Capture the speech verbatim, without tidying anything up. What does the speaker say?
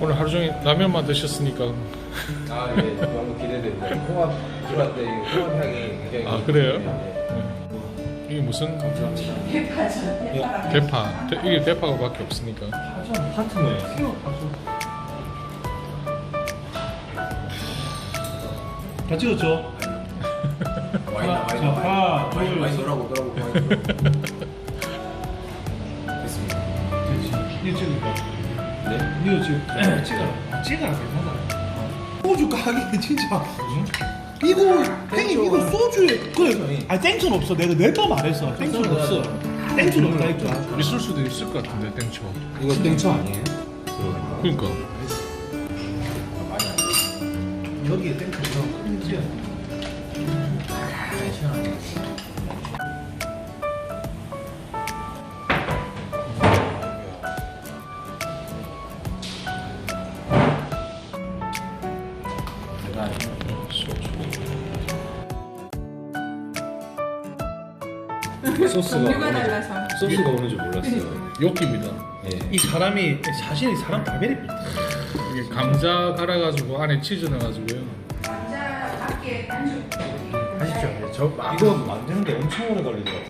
오늘 하루 종일 라면만 드셨으니까. 아, 예, 너무 기대됩니다. 홍합 들어갈 때 홍합 향이 굉장히. 아, 그래요? 네. 이게 무슨 감사합니다. 대파죠. 대파가 대파? 대, 이게 대파가밖에 없으니까. 파전 파트너예요. 다 찍었죠? 와인 하나, 와인 자, 하나, 와인 둘, 와인 셋. 넣으라고 넣으라고 와인 넣으라고. 됐습니다. 됐지. 이거 찍을까? 네. 이거 지금 찍어라. 찍어라. 괜찮아. 소주 가게 진짜. 이거 형님 이거 소주에 그래. 아 땡초는 없어. 내가 몇 번 말했어. 땡초는 없어. 땡초는 없다니까. 있을 수도 있을 것 같은데 땡초. 이거 땡초 아니에요? 그러니까. 많이 안 돼. 여기에 땡초가 큰지야. 네, 시원하네. 소스가 종류가 오는 줄- 달라서. 소스가 오는 줄 몰랐어요. 욕기입니다. 예. 이 사람이 자신이 사람 다 베립니다. 이게 감자 갈아가지고 안에 치즈 넣어가지고요. 감자 밖에 안주. 하십시오. 저 이거 만드는데 엄청 오래 걸리더라고요.